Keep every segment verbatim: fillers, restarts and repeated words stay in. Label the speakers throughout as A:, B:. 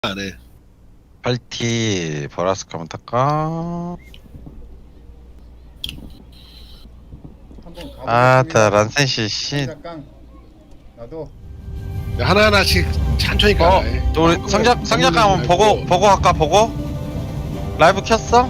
A: 안 해.
B: 팔티 보라스카 한번 탈까?
C: 한번
B: 아, 다
C: 가보겠습니다.
B: 란센시 씨.
C: 상자깡 나도
A: 하나 하나씩 천천히
B: 어,
A: 가라. 해.
B: 또 우리
A: 막
B: 성작
A: 그거
B: 성작
A: 말고.
B: 한번 보고 보고 할까 보고? 라이브 켰어?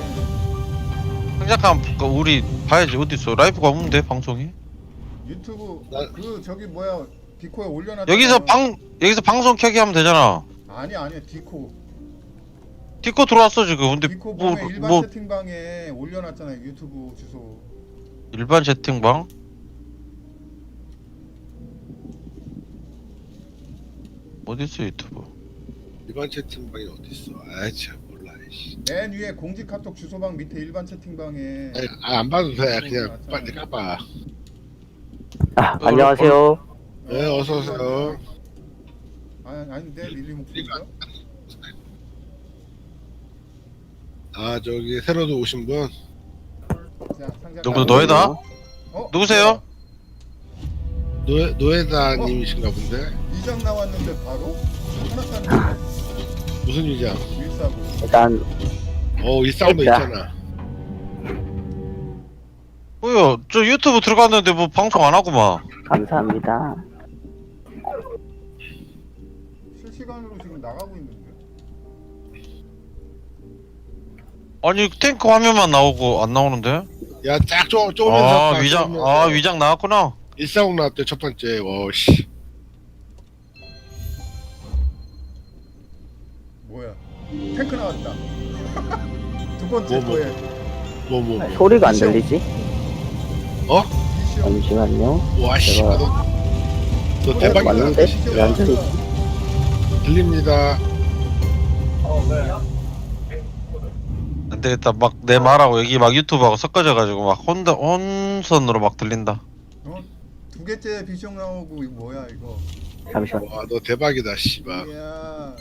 B: 성작 한번 그 우리 봐야지 어디 있어? 라이브가 없는데 방송이?
C: 유튜브
A: 나-
C: 그 저기 뭐야 디코에 올려놨.
B: 여기서 방 여기서 방송 켜기 하면 되잖아.
C: 아니 아니야 디코
B: 디코 들어왔어 지금. 근데
C: 디코
B: 뭐
C: 보면 일반
B: 뭐
C: 채팅방에 올려놨잖아요 유튜브 주소.
B: 일반 채팅방? 어디 있어 유튜브?
A: 일반 채팅방이 어디 있어? 아이 참 몰라. 씨.
C: 맨 위에 공지 카톡 주소방 밑에 일반 채팅방에.
A: 아니, 아, 안 봐도 돼. 그냥 빨리 까봐.
D: 아, 안녕하세요.
A: 네, 어서 오세요.
C: 아니 아닌데 릴리 목소리가.
A: 아 저기 새로도 오신 분.
C: 자 상자.
B: 누구 너에다?
C: 어?
B: 누구세요?
A: 노에 노에다님이신가 본데.
C: 이장 나왔는데 바로 하나 샀는데
A: 무슨 일이야?
C: 일사고.
D: 일단
A: 어 일상도
D: 있다.
A: 있잖아.
B: 뭐야? 저 유튜브 들어갔는데 뭐 방송 안 하구만.
D: 감사합니다.
C: 실시간으로 지금 나가고 있는데.
B: 아니 탱크 화면만 나오고 안 나오는데?
A: 야쫙 쪼면서.
B: 아 위장 아 위장 나왔구나.
A: 일상 나왔대 첫 번째. 와씨.
C: 뭐야? 탱크 나왔다. 두 번째
A: 뭐, 뭐.
C: 거에
A: 뭐 뭐.
D: 아,
A: 뭐.
D: 소리가 안 들리지?
A: 어?
C: 이시오.
D: 잠시만요.
A: 와씨.
D: 제가-
A: 너, 너 대박이다.
D: 맞는데? 왜 안 들리지?
A: 들립니다.
B: 안 되겠다. 막 내 말하고 여기 막 유튜브하고 섞어져가지고 막 혼자 혼선으로 막 들린다.
C: 어? 두 개째 비숑 나오고 이거 뭐야 이거?
D: 잠시만.
A: 와 너 대박이다 씨발.
C: 이야.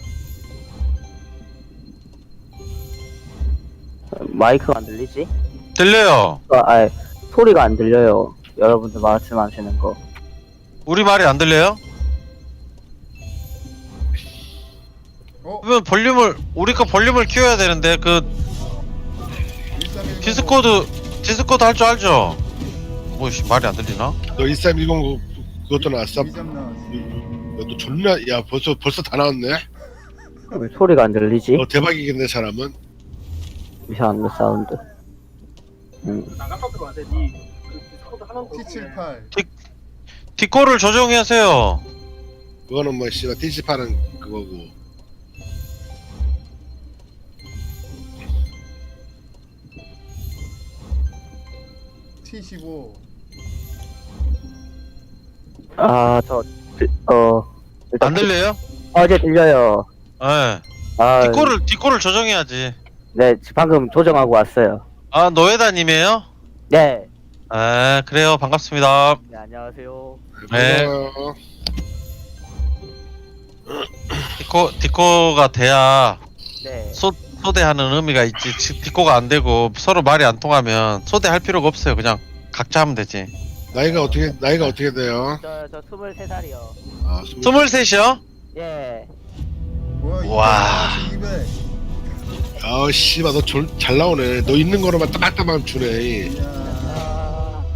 D: 마이크가 안 들리지?
B: 들려요.
D: 아, 아, 소리가 안 들려요. 여러분들 말씀하시는 거.
B: 우리 말이 안 들려요?
C: 어?
B: 그러면 볼륨을 우리가 볼륨을 키워야 되는데 그
C: 일삼일공.
B: 디스코드 디스코드 할 줄 알죠? 뭐 씨, 말이 안 들리나?
A: 너 일삼일공 그것도 나왔어?
C: 이점 나왔어.
A: 너 존나 야 벌써 벌써 다 나왔네.
D: 왜 소리가 안 들리지?
A: 너 대박이겠네 사람은.
D: 이상한 사운드. 음.
C: 티 칠십팔.
B: 디코를 조정하세요.
A: 그거는 뭐 씨발 티십팔은 그거고.
C: 티 십오.
D: 아, 저, 들- 어, 일단
B: 안 들려요?
D: 어제 들려요.
B: 예.
D: 아,
B: 디코를 디코를 조정해야지.
D: 네, 방금 조정하고 왔어요.
B: 아 노에다님이에요?
D: 네.
B: 아 그래요. 반갑습니다.
D: 네, 안녕하세요.
B: 네.
A: 고마워요.
B: 디코 디코가 돼야
D: 네.
B: 소 소대하는 의미가 있지. 지- 디코가 안 되고 서로 말이 안 통하면 소대할 필요가 없어요. 그냥 각자 하면 되지.
A: 나이가 어떻게 나이가 어떻게 돼요?
D: 저, 저 스물세 살이요.
A: 아
B: 스물셋이요?
D: 예.
C: 뭐야?
B: 와.
C: 이백.
A: 아 씨발 너 잘 나오네. 너 있는 거로만 따박따박 주네.
C: 이야.
D: 아,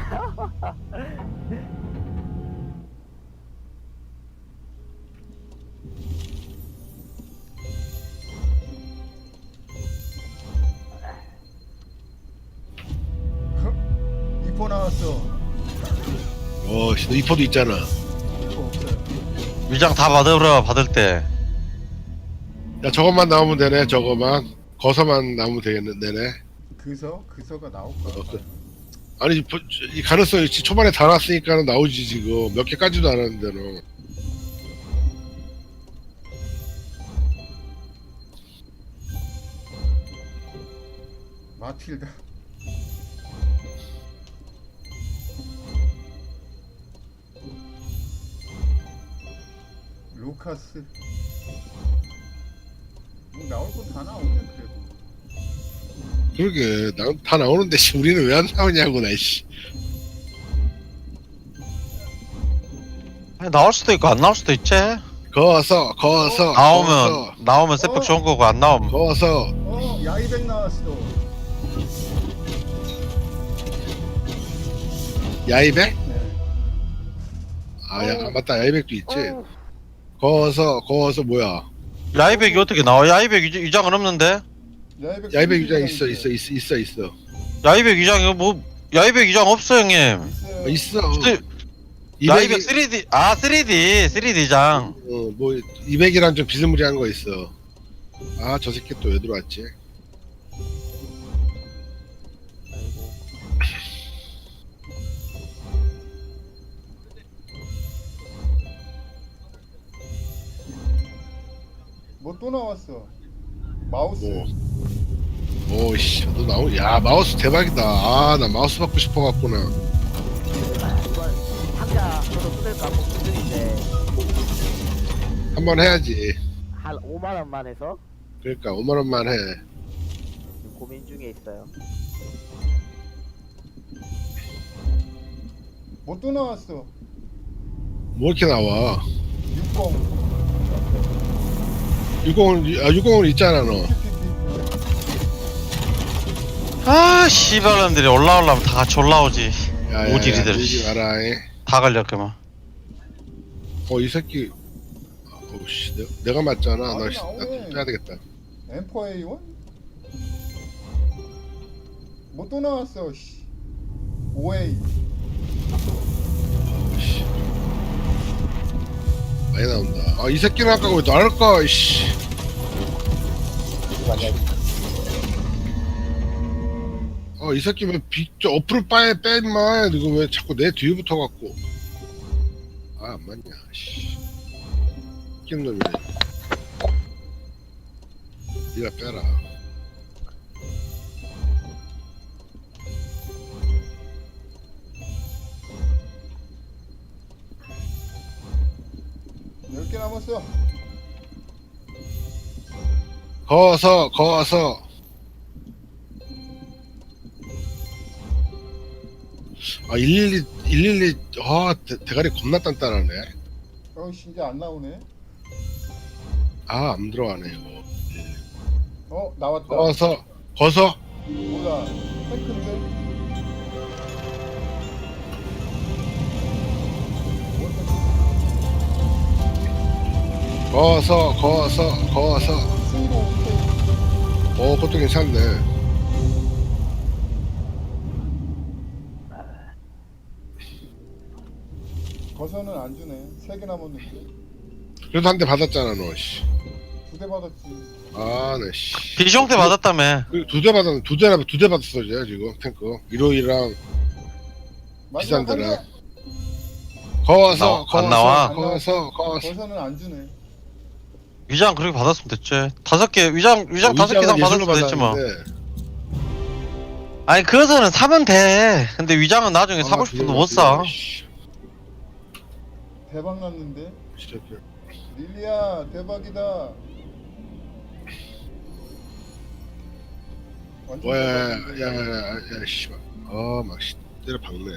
C: 이포 나왔어.
A: 어, 씨, 너 이포도 있잖아.
C: 이포 없어요.
B: 위장 다 받으러 받을 때.
A: 야 저것만 나오면 되네. 저거만 거서만 나오면 되겠네. 되네.
C: 그서 그서가 나올
A: 어,
C: 거야.
A: 그- 아니 보- 이 가능성이 있지. 초반에 다 나왔으니까 나오지 지금 몇 개까지도 안 하는데 너.
C: 마틸다. 루카스. 뭐 나올 거 다 나오네 그래도.
A: 그러게 나, 다 나오는데 씨, 우리는 왜 안 나오냐고 나 씨.
B: 아니, 나올 수도 있고 안 나올 수도 있지.
A: 거서 거서
B: 나오면
A: 거서
B: 나오면 세폭 좋은 거고 안 나오면
A: 거서
C: 어 야이백 나왔어.
A: 야이백?
C: 네.
A: 아야 맞다 야이백도 있지. 거서 거서 뭐야?
B: 야이백이 어떻게 나와? 야이백 위장- 위장은 없는데?
C: 야이백,
A: 야이백 유장 있어 있어 있어 있어 있어
B: 야이백 위장이 뭐 야이백 위장 없어 형님.
C: 있어요.
A: 있어.
B: 쓰- 야이백 쓰리디 아 쓰리디 쓰리디장.
A: 어뭐 이백이랑 좀 비스무리한 거 있어. 아 저 새끼 또 왜 들어왔지?
C: 뭐 또 나왔어. 마우스.
A: 뭐 오씨 너 나오 야 마우스 대박이다. 아 나 마우스 받고 싶어 갖구나.
D: 이번 상자 저도 뜯을까 고민 중인데
A: 한번 해야지.
D: 한 오만 원만 해서
A: 그러니까 오만 원만 해.
D: 지금 고민 중에 있어요.
C: 뭐 또 나왔어.
A: 뭐 이렇게 나와?
C: 육공.
A: 육공은 아 육공은 있잖아 너.
B: 아 씨발놈들이 올라오려면 다 같이 올라오지.
A: 야야야
B: 오지리들.
A: 들지 마라. 이.
B: 다 걸렸구만.
A: 어이 새끼. 어우씨 내가, 내가 맞잖아.
C: 아니,
A: 나 씨,
C: 나오네.
A: 나 빼야 되겠다.
C: 엠 포 에이 원? 뭐 또 나왔어. 씨. 오 에이.
A: 어우씨. 많이 나온다. 아 이 새끼는 아까 왜 나를 까? 씨. 아 이 새끼 왜 비, 저 어플을 빠에 빼 임마. 이거 왜 자꾸 내 뒤에 붙어갖고. 아 안 맞냐. 씨. 웃긴 놈이네. 니가 빼라.
C: 열 개 남았어.
A: 거서 거서. 아 일일이 일일이 아 대, 대가리 겁나 단단하네.
C: 어, 씨, 이제 안 나오네.
A: 아 안 들어가네 이거.
C: 어, 나왔다.
A: 거서 거서
C: 몰라. 탱크인데? 뭐 탱크?
A: 거서 거서 거서.
C: 승부 오케이.
A: 어 그것도 괜찮네.
C: 거서는 안 주네. 세 개 남았는데.
A: 그래도 한 대 받았잖아 너. 씨.
C: 두 대 받았지.
A: 아네 씨.
B: 비숑 때 받았다며.
A: 두 대 받았 두 대나 두 대 받았어 이제 지금 탱크. 일호이랑 비싼
C: 마지막 한
A: 데라.
C: 대.
A: 거서
B: 나와- 안
A: 거서
B: 나와?
A: 거서 거서.
C: 거서는 안 주네.
B: 위장 그렇게 받았으면 됐지. 다섯 개 위장 위장 다섯 개 이상
A: 위장은
B: 받았으면 됐지 뭐.
A: 받았는데.
B: 아니 그거서는 사면 돼. 근데 위장은 나중에
A: 아,
B: 사고 싶어도
A: 그래,
B: 못 사.
A: 그래, 씨.
C: 대박 났는데.
A: 진짜 그래.
C: 릴리야, 대박이다. 완전 대박인데.
A: 야야야야 씨발. 아막 때려 박네.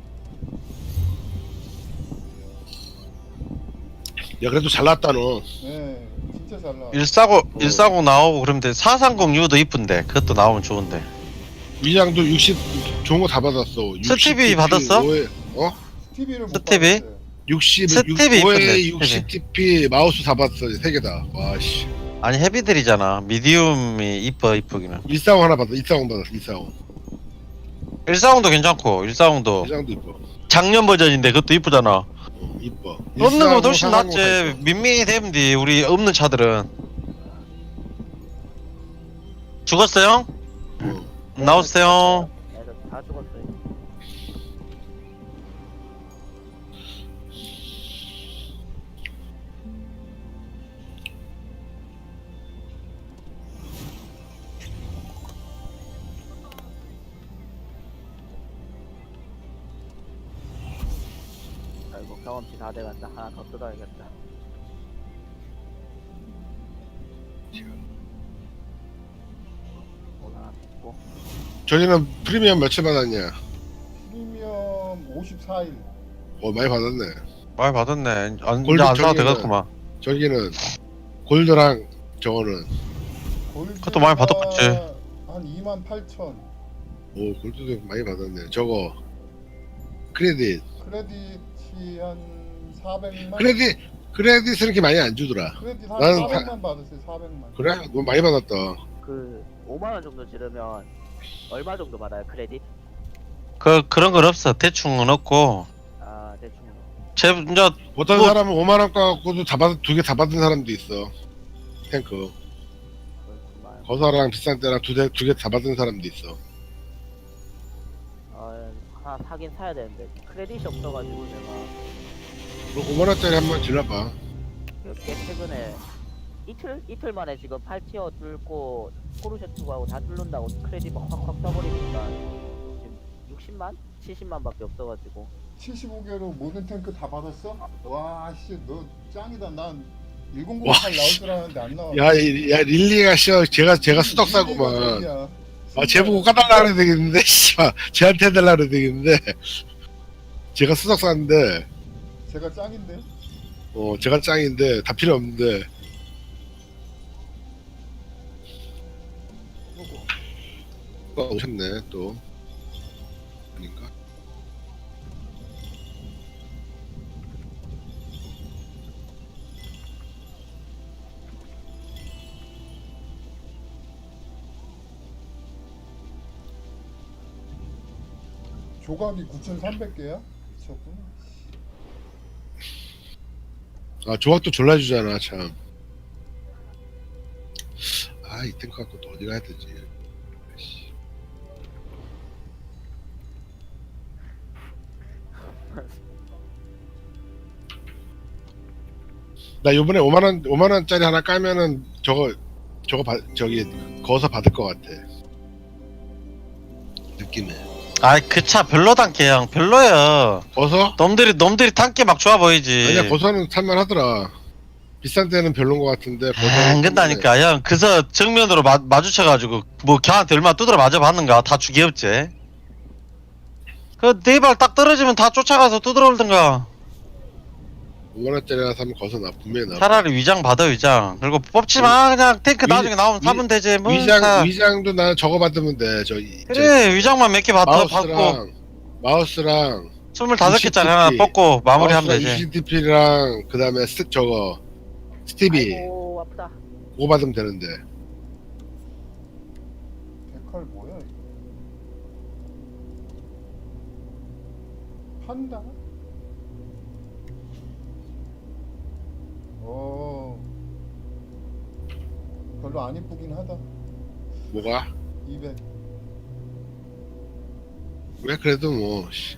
A: 야 그래도 잘났다 너.
C: 네, 진짜 잘 나와.
B: 일사공 일사공 나오고 그러면 돼. 사삼공 유도 이쁜데 그것도 나오면 좋은데.
A: 위장도 육십 좋은 거 다 받았어.
B: 스티비 받았어?
A: 어?
C: 스티비를 못
B: 스티비?
C: 받았어요.
A: 육십,
B: 스티비 이쁜데,
A: 오에 육십 티피 마우스 다 받았어. 세 개 다. 와 씨.
B: 아니 헤비들이잖아. 미디움이 이뻐 이쁘기는.
A: 일사공 하나 받았어. 일사공 받았어. 일사공.
B: 일사공도 괜찮고 일사공도
A: 일사공도 이뻐.
B: 작년 버전인데 그것도 이쁘잖아.
A: 어, 이뻐.
B: 없는 거 훨씬
A: 일사공,
B: 낫지.
A: 사삼공
B: 민민이 되면 돼. 우리 없는 차들은. 죽었어요?
A: 다 있어. 어.
B: 나오세요.
D: 애들 다 죽었어요. 아이고 경험치 다 돼간다. 하나 더 뜯어야겠다. 오늘 하나 뜯고.
A: 저희는 프리미엄 며칠 받았냐?
C: 프리미엄 오십사 일.
A: 어 많이 받았네.
B: 많이 받았네. 안,
A: 골드
B: 이제 안 사도
A: 저기는-
B: 되겠구만.
A: 저기는 골드랑 저거는
B: 그것도 많이 받았겠지.
C: 한 이만 팔천.
A: 오 골드도 많이 받았네. 저거 크레딧
C: 크레딧이 한 사백만.
A: 크레딧 크레딧은 그렇게 많이 안 주더라.
C: 크레딧 한
A: 나는
C: 사백만 받았어요. 사백만.
A: 그래? 너무 많이 받았다.
D: 그 오만 원 정도 지르면 얼마 정도 받아요 크레딧?
B: 그 그런 건 없어. 대충은 없고.
D: 아 대충.
B: 제 이제
A: 어떤
B: 뭐-
A: 사람은 오만 원 갖고도 다 받, 두 개 다 받은 사람도 있어. 탱크.
D: 그렇구만.
A: 거사랑 비싼 때랑 두 개 두 개 다 받은 사람도 있어.
D: 어, 하나 사긴 사야 되는데 크레딧이 없어가지고 제가
A: 그럼 오만 원짜리 한번 질러봐.
D: 꽤 최근에 이틀 이틀 만에 지금 팔 티어 뚫고 포르쉐 투구하고 다 뚫는다고 크레딧 막 확확 써버리니까 지금 육십만? 칠십만밖에 없어가지고.
C: 칠십오 개로 모든 탱크 다 받았어? 와, 씨, 너 짱이다. 난
A: 와,
C: 일공공팔 나올 줄 알았는데 안 나와.
A: 야, 이- 야 릴리가 씨어 제가 제가 수덕 사구만. 아, 쟤 보고 까달라 그래야 되겠는데, 씨발. 쟤한테 해달라 그래야 되겠는데. 제가 수덕 샀는데,
C: 제가 짱인데?
A: 어, 제가 짱인데, 다 필요 없는데. 어, 오셨네, 또. 아닌가?
C: 조각이 구천삼백 개야? 미쳤구나.
A: 아, 조합도 졸라주잖아, 참. 아, 이 탱크 갖고 또 어디 가야 되지? 씨. 나 요번에 오만 원, 오만 원짜리 하나 까면은 저거, 저거 받, 저기, 거기서 받을 것 같아. 느낌에.
B: 아이 그 차 별로단 게 형. 별로야.
A: 거서?
B: 놈들이 놈들이 탄게 막 좋아 보이지.
A: 아니야, 거서는 탈만하더라. 비싼 데는 별론 것 같은데, 거서는
B: 안 된다니까 형. 그래서 정면으로 마, 마주쳐가지고 뭐 걔한테 얼마 두드려 맞아 봤는가. 다 죽이었지. 그 네 발 딱 떨어지면 다 쫓아가서 두드려 올든가.
A: 오만 원짜리 하나 사면 거서 나, 분명히 나.
B: 차라리 위장 받아 위장. 그리고 뽑지 마. 그냥 탱크
A: 위-
B: 나중에 나오면
A: 위-
B: 사면 되지. 뭐
A: 위장,
B: 사.
A: 위장도 나는 저거 받으면 돼. 저, 이- 저
B: 그래 위장만 몇 개 받아 받고
A: 마우스랑, 마우스랑,
B: 스물다섯 개짜리
A: 이십
B: 하나
A: 티 피.
B: 뽑고 마무리하면 되지.
A: 이씨티피랑 그 다음에 스 저거 스티비
D: 아이고 아프다.
A: 그거 받으면 되는데.
C: 데칼 뭐야, 이거? 판다? 어. 별로 안 이쁘긴 하다.
A: 뭐가?
C: 이백.
A: 왜 그래도 뭐 씨.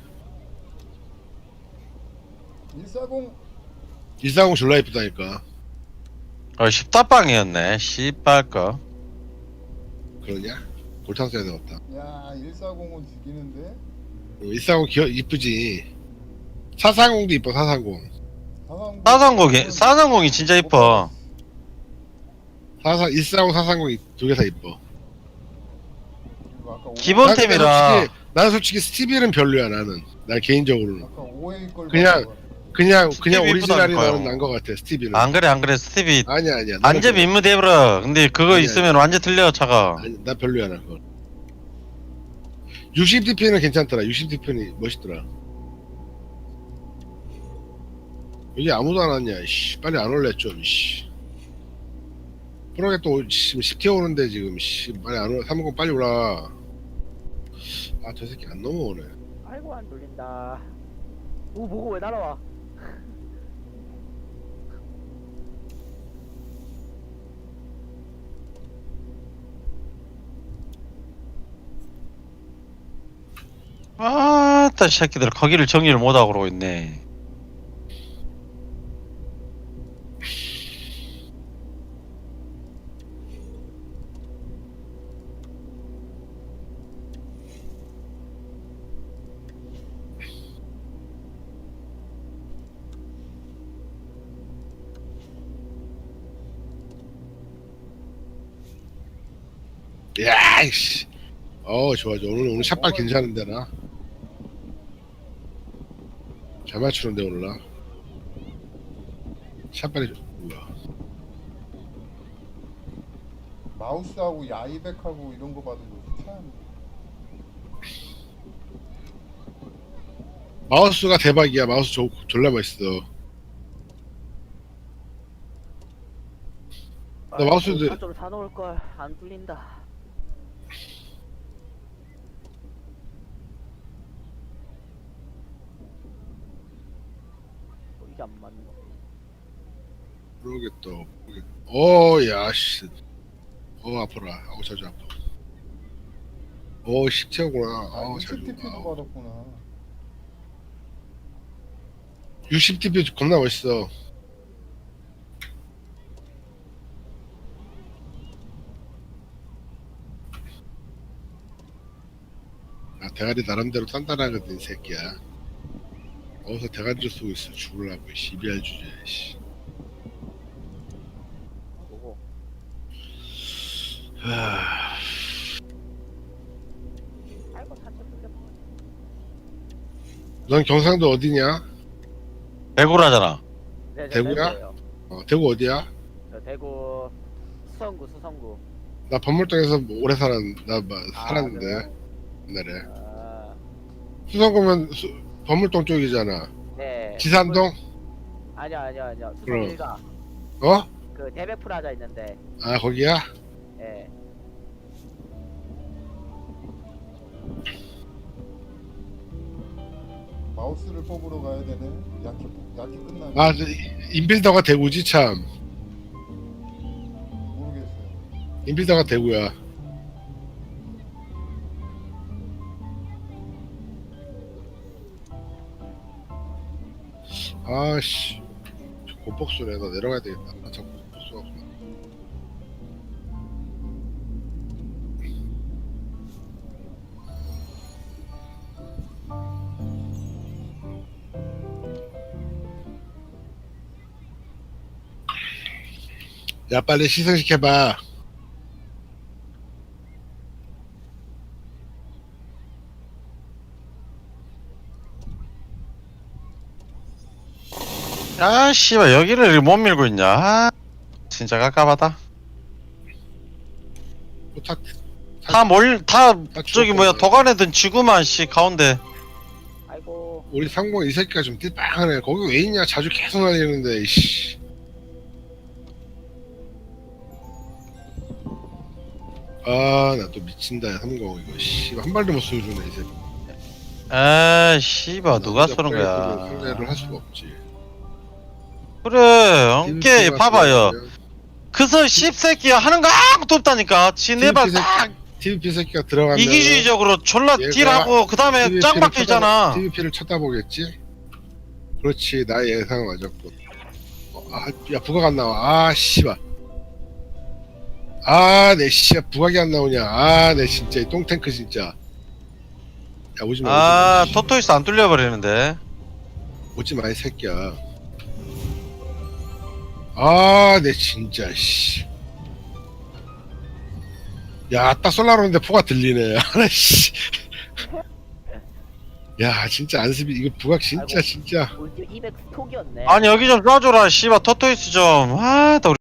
C: 일사공.
A: 일상공 졸라 이쁘다니까.
B: 어 십다빵이었네. 씨발 거.
A: 그러냐? 골탕 써야 되겠다.
C: 야, 일사공은 죽이는데?
A: 어, 일상공 귀여 이쁘지. 사상공도 이뻐. 사상공.
C: 사상공.
B: 사상공이 사상공이 진짜 이뻐.
A: 사상 일상공 사상공 두 개 다 이뻐.
C: 이거 아까 오-
B: 기본-
A: 난 근데
B: 템이라.
A: 솔직히, 나는 솔직히 스티비는 별로야 나는. 난 개인적으로는.
C: 아까 오에이 걸
A: 그냥-
C: 봤어.
A: 그냥 그냥
B: 스티비
A: 오리지널이
B: 이쁘다니까요.
A: 나는 난 것 같아. 스티비는.
B: 안 그래 안 그래 스티비
A: 아니야 아니야. 나는
B: 완전
A: 별로야.
B: 민무 대버려. 근데 그거
A: 아니야,
B: 있으면 완전 틀려 차가.
A: 아니, 나 별로야 나 그거. 육십 디피는 괜찮더라. 육십 디피는 멋있더라. 여기 아무도 안 왔냐? 씨, 빨리 안 올래 좀. 씨. 프로게 또 지금 십 티어 오는데 지금 씨, 빨리 안 올. 삼십 빨리 올라. 아 저 새끼 안 넘어오네.
D: 아이고 안 돌린다. 오 보고 왜 날아와?
B: 아따 새끼들 거기를 정리를 못하고 그러고 있네.
A: 야, 이씨. 어, 좋아, 좋아. 오늘, 오늘 샷발 괜찮은데, 나. 잘 맞추는데, 오늘 나. 샷발이 뭐야?
C: 마우스하고 야이백하고 이런 거 받은 거 참.
A: 마우스가 대박이야. 마우스 조, 졸라 맛있어. 나 마우스도-
D: 아, 좀 사놓을 걸. 안 뚫린다. 어, 이게 안 맞네.
A: 모르겠다. 어, 야, 씨. 어, 아파라. 아우, 자주 아파. 어, 식체구나.
C: 아,
A: 아우, 자주.
C: 육십 티피도
A: 아우.
C: 받았구나.
A: 육십 티피 겁나 멋있어. 아, 대가리 나름대로 단단하거든, 이 새끼야. 어디서 대가리를 쓰고 있어. 죽을라고, 시비할 주제, 씨.
D: 뭐고?
A: 하...
D: 아이고 사채 뚫렸어.
A: 넌 경상도 어디냐?
B: 대구라잖아.
D: 네, 저
A: 대구야?
D: 대구예요.
A: 어, 대구 어디야?
D: 저 대구 수성구 수성구.
A: 나 범물동에서 오래 살았, 나 뭐,
D: 아,
A: 살았는데,
D: 그래요?
A: 옛날에.
D: 아,
A: 수성구면 수, 범물동 쪽이잖아.
D: 네.
A: 지산동?
D: 아니야 아니야 아니야. 수성
A: 그럼.
D: 일가.
A: 어?
D: 그 대백 프라자 있는데.
A: 아, 거기야?
D: 예.
C: 마우스를 뽑으러 가야 되네. 약기 약기 끝나네.
A: 아, 저, 인필더가 대구지, 참.
C: 모르겠어요.
A: 인필더가 대구야. 아씨, 고폭수네. 너 내려가야 되겠다. 아, 참, 고폭수가 없구나. 야, 빨리 시승시켜봐.
B: 아, 씨발, 여기를 못 밀고 있냐. 아, 진짜 깝깝하다.
A: 뭐 타,
B: 다 몰, 다,
A: 다
B: 저기 뭐야,
A: 죽었구나.
B: 도관에든 지구만, 씨, 가운데.
D: 아이고.
A: 우리 상봉 이 새끼가 좀 띠빵하네. 거기 왜 있냐? 자주 계속 날리는데, 이씨. 아, 나 또 미친다, 야, 삼공 이거. 씨, 한 발도 못 쏘주네, 이제.
B: 아, 씨발, 누가 쏘는 거야.
A: 상대를 할 수가 없지.
B: 그래, 엉게,
A: 디비피가
B: 봐봐요.
A: 들어가면
B: 그서 씹새끼야 하는 거 아무것도 없다니까. 지 네발
A: 디비피
B: 딱
A: 디비피 새끼가 들어가면
B: 이기주의적으로 졸라
A: 얘가
B: 딜하고 그 다음에 짱 박혀있잖아.
A: 디비피를 쳐다보겠지? 그렇지, 나의 예상은 맞았고. 어, 아, 야, 부각 안 나와. 아, 씨발. 아, 내 씨야, 부각이 안 나오냐. 아, 내 진짜 이 똥탱크 진짜. 야, 오지 마.
B: 아,
A: 오지 마.
B: 토토이스 안 뚫려버리는데.
A: 오지 마, 이 새끼야. 아, 내 진짜 씨. 야, 딱 쏠라는데 포가 들리네. 하나 씨. 야, 진짜 안습이 이거 부각 진짜
D: 아이고.
A: 진짜.
D: 우리 팀 이백 스톡이었네.
B: 아니 여기 좀 쏴줘라 씨발 토토이스 좀. 아, 나